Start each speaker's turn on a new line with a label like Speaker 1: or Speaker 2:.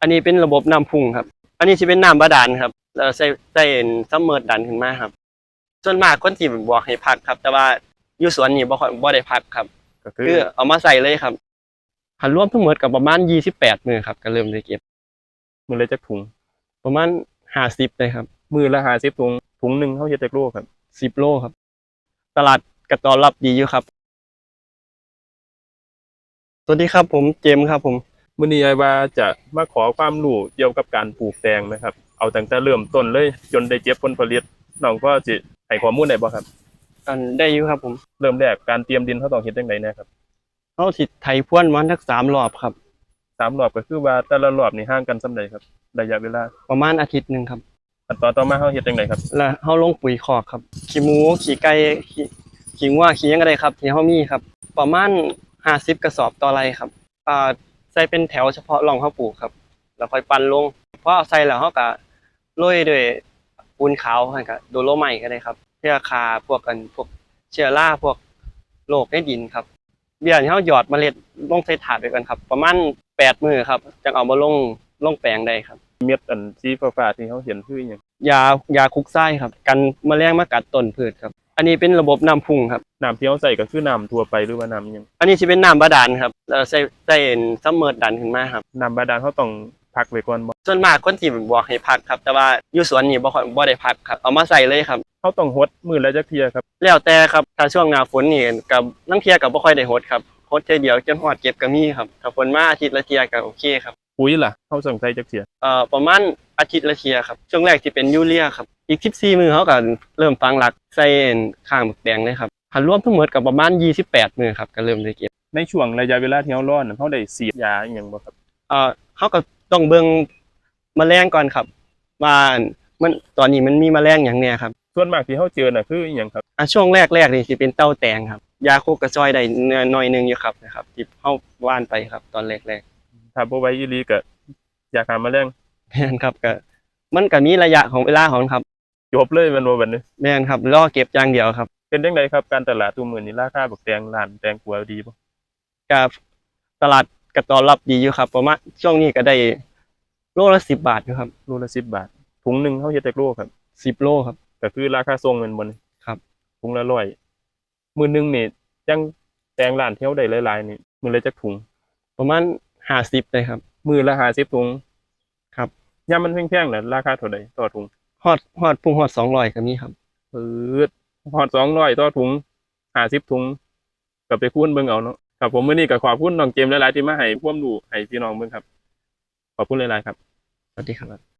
Speaker 1: อันนี้เป็นระบบน้ำพุ่งครับอันนี้จะเป็นน้ำบาดาลครับเราใส่ซัมเมอร์ดันขึ้นมาครับส่วนมากคนที่บอกให้พักครับแต่ว่าอยู่สวนนี่บ่ได้พักครับ
Speaker 2: ก็คื
Speaker 1: คือเอามาใส่เลยครับหันรวมทั้งหมดกับประมาณ28มื้อครับก็เริ่มได้เก็บ
Speaker 2: มือละจักถุง
Speaker 1: ประมาณ50เลยครับ
Speaker 2: มือละ50ถุงถุงหนึงเฮาเฮ็ดจักโลครับ
Speaker 1: 10โลครับตลาดก็ตอบรับดีอยู่ครับสวัสดีครับผมเจมส์ครับผม
Speaker 2: มื้อนี้อ้ายว่าจะมาขอความรู้เกี่ยวกับการปลูกแตงนะครับเอาตั้งแต่เริ่มต้นเลยจนได้เก็บผลผลิตน้องก็สิให้ข้อมูลได้บ่ครับ
Speaker 1: อันได้อยู่ครับผม
Speaker 2: เริ่มแรกการเตรียมดินเฮาต้องเฮ็ดจังไดแหน่ครับ
Speaker 1: เฮาสิไถพรวนมันสัก3รอบครับ
Speaker 2: 3รอบก็คือว่าแต่ละรอบนี่ห่างกันส่ำใดครับระยะเวลา
Speaker 1: ประมาณอาทิตย์หนึงครับ
Speaker 2: ขั้นตอนต่อมาเฮาเฮ็ดจังไดครับ
Speaker 1: แล้วเฮาลงปุ๋ยคอกครับขี้หมูขี้ไก่ขี้งัวขี้หยังก็ได้ครับที่เฮามีครับประมาณ50กระสอบต่อไร่ครับใส่เป็นแถวเฉพาะร่องเฮาปลูกครับแล้วค่อยปั่นลงพอใส่แล้วเฮาก็โรยด้วยปูนขาวให้ก็โดโลไมต์ก็ได้ครับเพื่อฆ่าพวกเชื้อราพวกโรคในดินครับเบี้ยที่เฮาหยอดเมล็ดลงใส่ถาดไว้ก่อนครับประมาณ8มื้อครับจังเอามาลงแปลงได้ครับ
Speaker 2: เม็ดอันสีฟ้าๆที่เฮาเห็นคืออิหยัง
Speaker 1: ยาคุกไส้ครับกันแมลงมากัดต้นพืชครับอันนี้เป็นระบบน้ำพุ่งครับ
Speaker 2: น้ำที่เฮาใส่ก็คือน้ำทั่วไปหรือว่าน้ำอิหยัง
Speaker 1: อันนี้สิเป็นน้ำบาดาลครับเราใส่ซัมเมอร์ดันขึ้นมาครับ
Speaker 2: น้ำบาดาลเฮาต้องพักไว้ก่อนบ่
Speaker 1: ส่วนมากคนที่บอกให้พักครับแต่ว่าอยู่สวนนี่บ่ได้พักครับเอามาใส่เลยครับ
Speaker 2: เฮาต้องรดมื้อละจักเที่ยครับ
Speaker 1: แล้วแต่ครับถ้าช่วงหน้าฝนนี่ก็ลางเที่ยก็บ่ค่อยได้รดครับรดเทื่อเดียวจนฮอดเก็บก็มีครับถ้าฝนมาอาทิตย์ละเที่ยก็โอเคครับ
Speaker 2: ปุ๋ยล่ะเฮาต้องใส่จักเที่ย
Speaker 1: ประมาณอาทิตย์ละเที่ยครับช่วงแรกสิเป็นยูเรียครับอีก14มื้อเฮาก็เริ่มฝังหลักใส่ข้างหมึกแดงเลยครับหันรวมทั้งหมดก็ประมาณ28มื้อครับก็เริ่มได้เก็บ
Speaker 2: ในช่วงระยะเวลาที่เฮารอนั่นเฮาได้ฉีดยาอิหยังบ่ครับ
Speaker 1: เฮาก็ต้องเบิ่งแมลงก่อนครับว่ามันตอนนี้มันมีแมลงหยังแหน่ครับ
Speaker 2: ส่วนมากที่เฮาเจอน่ะคืออิหยังครับ
Speaker 1: ช่วงแรกนี่สิเป็นเต่าแตงครับยาคุกก็ช่วยได้หน่อยนึงอยู่ครับนะครับที่เฮาว่านไปครับตอนแรก
Speaker 2: ถ้าบ่ไหวอีหลีก็ยาฆ่าแมลง
Speaker 1: ๆแม่นครับก็มันก็มีระยะของเวลาของครับ
Speaker 2: จบเลยแม่นบ่บัดนี้
Speaker 1: แม่นครับรอเก็บอย่างเดียวครับ
Speaker 2: เป็นจังไดครับการตลาดซุมื้อนี้ราคาบักแตงร้านแตงกวาดีบ่
Speaker 1: ก็ตลาดก็ตอบรับดีอยู่ครับประมาณช่วงนี้ก็ได้โลละ10บาทอยู่ครับ
Speaker 2: โลละ10บาทถุงหนึงเฮาเฮ็ดจักโลครับ
Speaker 1: 10โลครับ
Speaker 2: ก็คือราคาส่งแม่นบ่นี่
Speaker 1: ครับ
Speaker 2: ถุงละ100มื้อหนึงนี่จังแตงร้านที่เฮาได้หลายๆนี่มื้อละจักถุง
Speaker 1: ประมาณ50เลยครับ
Speaker 2: มื้อละ50ถุง
Speaker 1: ครับ
Speaker 2: ยามมันแพงๆน่ะราคาเท่าใดต่อถุง
Speaker 1: ฮอด200ก็มีครับ
Speaker 2: ปื๊ดฮอด200ต่อถุง50ถุงก็ไปคูณเบิ่งเอาเนาะครับผมมื้อนี้ก็ขอบคุณน้องเจมส์หลายๆที่มาให้ความรู้ให้พี่น้องเบิ่งครับขอบคุณหลายๆครับ
Speaker 1: สวัสดีครับ